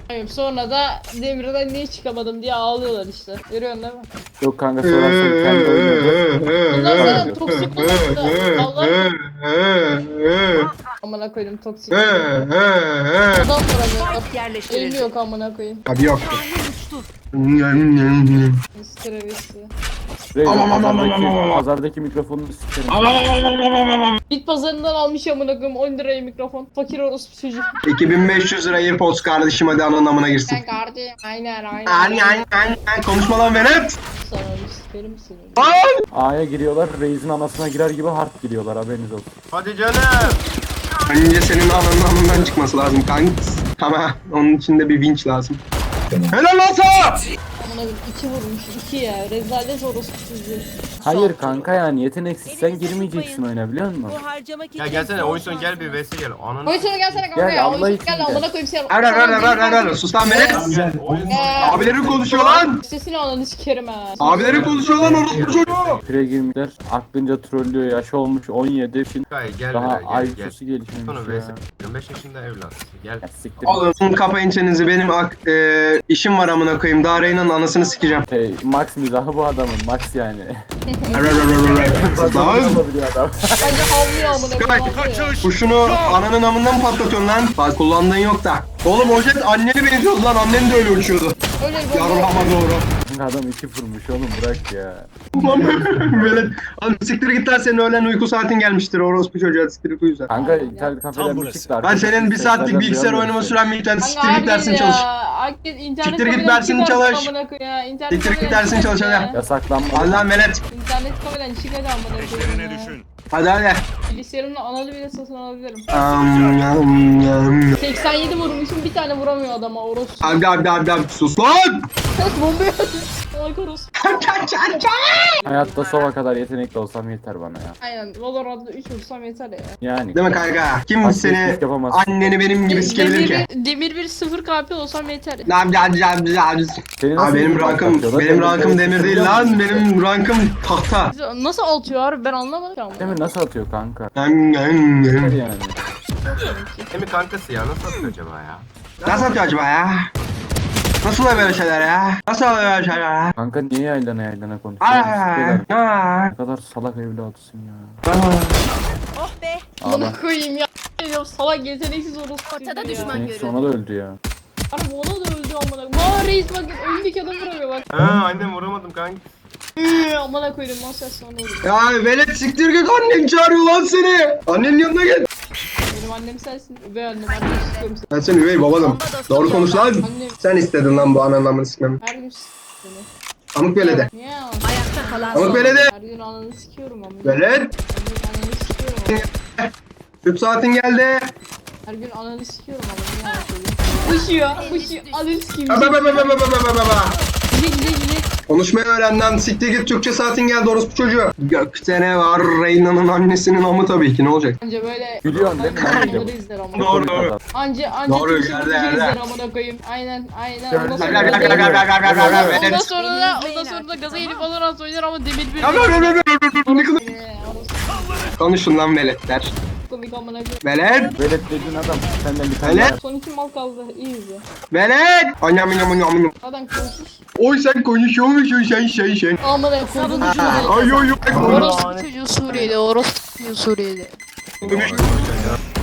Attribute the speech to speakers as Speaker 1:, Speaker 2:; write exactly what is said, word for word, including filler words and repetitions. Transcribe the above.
Speaker 1: Hayır, sonra da Demir'den niye çıkamadım diye ağlıyorlar işte. Görüyorsun değil mi?
Speaker 2: Yok kanka sorarsan kendi oynuyordu.
Speaker 1: Bunlar zaten toksik olmadı. Allah amına koydum toksik. Adam vuramıyor.
Speaker 3: Yerleştirildi.
Speaker 1: Elli yok amına koyayım.
Speaker 4: Hadi yok.
Speaker 1: Stravisi.
Speaker 2: Reis
Speaker 4: Aman, aman, aman,
Speaker 2: pazardaki,
Speaker 4: aman, aman.
Speaker 2: pazardaki mikrofonunu sikerim.
Speaker 1: Bit pazarından almış amına koyayım on liraya mikrofon. Fakir orospu çocuk.
Speaker 4: iki bin beş yüz lira AirPods kardeşim, hadi ananın amına girsin.
Speaker 1: Sen kardeşim. Aynen aynen.
Speaker 4: Aynen aynen aynen, konuşma lan Venet.
Speaker 1: Sana bir sikerim seni.
Speaker 2: A'ya giriyorlar, Reis'in anasına girer gibi hard giriyorlar, haberiniz olsun.
Speaker 5: Hadi canım.
Speaker 4: Önce senin ananın amından çıkması lazım kanks. Ama onun için de bir vinç lazım. Helal lan sana!
Speaker 1: Amına koyayım iki vurmuş iki ya. Rezalet orospu çocuğu.
Speaker 2: Hayır kanka yani yeteneksizsen girmeyeceksin oyuna, biliyor musun?
Speaker 3: Bu harcamak
Speaker 5: Ya
Speaker 3: için
Speaker 5: gelsene oyun sonu
Speaker 3: son
Speaker 5: gel bir vs gel. Ananı.
Speaker 1: Oyun sonu gelsene kanka
Speaker 2: Gel,
Speaker 1: ya.
Speaker 2: Allah
Speaker 1: Oyun sonu
Speaker 2: için
Speaker 1: gel
Speaker 2: gel.
Speaker 1: amına koyayım seni.
Speaker 4: Ver ver ver ver ver ver. Sus lan Venet. Abilerin konuşuyor lan.
Speaker 1: Sesini ananı sikerim ha.
Speaker 4: Abilerin konuşuyor lan orospu çocuğu.
Speaker 2: Pire girmişler, aklınca trollüyor, yaş olmuş on yedi, şimdi
Speaker 5: Gel gel
Speaker 2: daha
Speaker 5: buraya, gel gel.
Speaker 2: I Q'su gelişmemiş
Speaker 5: Sonra
Speaker 2: ya.
Speaker 5: vs. yirmi beş yaşında evlat. Gel.
Speaker 2: Ya siktir.
Speaker 4: Oğlum kapayın çenenizi, benim ak e, işim var amına koyayım. Daha Reyna'nın anasını sikeceğim.
Speaker 2: Şey, Max mizahı bu adamın, Max yani.
Speaker 4: Lan
Speaker 2: Olabiliyor adam.
Speaker 1: Bence havlıyor amına koyayım. havlıyor.
Speaker 4: kuşunu ananın amından patlatıyorsun lan. Bak kullandığın yok da. Oğlum o jet anneni benziyordu lan, annen de öyle uçuyordu.
Speaker 1: Öyle bir
Speaker 4: Yarrama doğru.
Speaker 2: Adam iki vurmuş oğlum, bırak ya.
Speaker 4: Böyle oğlum siktir git lan, senin öğlen uyku saatin gelmiştir orospu çocuğa, siktir git uyu sen.
Speaker 2: Kanka internet kafeden bir çıktı.
Speaker 4: Ben senin bir saatlik bilgisayar oynama süren bir internet, siktir git dersin çalış.
Speaker 1: Herkes internet
Speaker 4: Siktir git
Speaker 1: kafeden
Speaker 4: dersini
Speaker 1: çıkarsın
Speaker 4: çalış.
Speaker 1: amına koyayım ya. İnternet
Speaker 4: Siktir git
Speaker 1: kafeden
Speaker 4: dersini
Speaker 1: çıkarsın
Speaker 4: çalış,
Speaker 1: ya.
Speaker 4: hadi.
Speaker 2: Yasaklanmadı.
Speaker 4: Allah melet.
Speaker 1: İnternet kafeden çıkacağım amına koyayım ya.
Speaker 4: Hadi hadi.
Speaker 1: Bilgisayarımla analı bile satın alabilirim.
Speaker 4: Am, yam, yam.
Speaker 1: seksen yedi vurmuşum bir tane vuramıyor adama orospu.
Speaker 4: Abi abi abi abi sus lan.
Speaker 1: Bomba atıyor. Salak orospu.
Speaker 2: Hayatta sova kadar yetenekli olsam yeter bana ya.
Speaker 1: Aynen Valorant'da üç vursam yeter ya.
Speaker 2: Yani.
Speaker 4: Değil mi kanka? Kim
Speaker 2: Bak,
Speaker 4: seni
Speaker 2: hiç yapamaz.
Speaker 4: anneni benim gibi sikebilir ki?
Speaker 1: Demir, demir bir sıfır K P olsam yeter ya.
Speaker 4: Lan lan lan lan.
Speaker 2: Seni nasıl
Speaker 4: Abi benim
Speaker 2: bir
Speaker 4: rankım
Speaker 2: patlatıyorlar?
Speaker 4: benim rankım
Speaker 2: Demir
Speaker 4: demir değil lan, benim rankım tahta.
Speaker 1: Nasıl atıyor abi ben anlamadım ama.
Speaker 2: Demir nasıl atıyor kanka?
Speaker 4: Yam, yam,
Speaker 2: Yeter
Speaker 4: yam.
Speaker 2: yani.
Speaker 5: Emi kankası ya nasıl atıyor acaba ya?
Speaker 4: Nasıl atıyor acaba ya? Nasıl oluyor böyle şeyler ya? Nasıl oluyor böyle şeyler ya?
Speaker 2: Kanka niye yaylana yaylana konuşuyorsun? Sıkıyorlar.
Speaker 4: Aa,
Speaker 2: Ne kadar salak evladısın ya.
Speaker 4: aa.
Speaker 3: Oh be.
Speaker 2: Ağla.
Speaker 1: Bunu koyayım ya. Diyorum, salak yeteneksiz orospu.
Speaker 3: Ortada
Speaker 1: ya.
Speaker 3: düşman.
Speaker 2: Senin
Speaker 3: görüyorum.
Speaker 2: sonra da öldü ya.
Speaker 1: Harbi ona da öldü amına. Maa reis bak önündeki adam vuramıyor bak.
Speaker 5: Ha annem vuramadım kanka.
Speaker 1: Eee amına koydum masaj sonra vurdu.
Speaker 4: Ya velet siktir git, annen çağırıyor lan seni. Annenin yanına gel.
Speaker 1: Benim annem sensin. Üvey annem annem istiyorum seni.
Speaker 4: Ben senin üvey babanım. Doğru konuş lan.
Speaker 1: Annem
Speaker 4: Sen istedin lan bu ananın amını sikmemi.
Speaker 1: her gün s- seni.
Speaker 4: Amık velede.
Speaker 1: Niye ya?
Speaker 3: Ayakta kalan
Speaker 4: Amık
Speaker 3: son.
Speaker 4: velede.
Speaker 1: Her gün ananı sikiyorum amına.
Speaker 4: Velet.
Speaker 1: Her gün ananı sikiyorum amına.
Speaker 4: Süt saatin geldi.
Speaker 1: Her gün ananı sikiyorum amına. Niye anlatıyorsun? Fışıyor. Fışıyor. Ananı sikeyim.
Speaker 4: Ba ba ba ba ba ba ba ba ba.
Speaker 1: Gide gide gide.
Speaker 4: Konuşmayı öğren lan, siktir git, Türkçe saatin geldi orospu çocuğu. Gökte ne var, Reyna'nın annesinin amı tabii ki, ne olacak?
Speaker 1: Anca böyle.
Speaker 2: Gülüyorsun değil mi lan bir de?
Speaker 1: Onları izler amına.
Speaker 4: Doğru doğru.
Speaker 1: Anca anca
Speaker 4: Doğru,
Speaker 1: Türkçe
Speaker 4: yerde,
Speaker 1: bakıcı
Speaker 4: yerde.
Speaker 1: izler amına koyayım. Aynen aynen.
Speaker 2: Gördüm.
Speaker 1: Ondan
Speaker 4: Gel,
Speaker 1: sonra
Speaker 4: gel, gel, gel, gel, gel, gel, gel,
Speaker 1: Ondan,
Speaker 4: gel,
Speaker 1: ondan
Speaker 4: velet.
Speaker 1: sonra da ondan sonra da gaza gelip Valorant oynar ama demir bir.
Speaker 4: Ya, ya, ya, ya, ya, ya, ne kadar-
Speaker 1: Eee, orası
Speaker 4: Konuşun lan veletler.
Speaker 1: komik amına koyayım.
Speaker 4: Velet,
Speaker 2: Velet dediğin adam senden bir tane
Speaker 4: Velet.
Speaker 2: var.
Speaker 1: Son iki mal kaldı. İyi izle.
Speaker 4: velet. Anyam anyam anyam anyam.
Speaker 1: Zaten konuşur.
Speaker 4: Oy sen konuşuyormuşsun sen sen sen.
Speaker 1: Amına koydum.
Speaker 4: Ha, Ay ay ay.
Speaker 1: Orospu çocuğu Suriye'de. Orospu çocuğu Suriye'de.
Speaker 4: Konuş.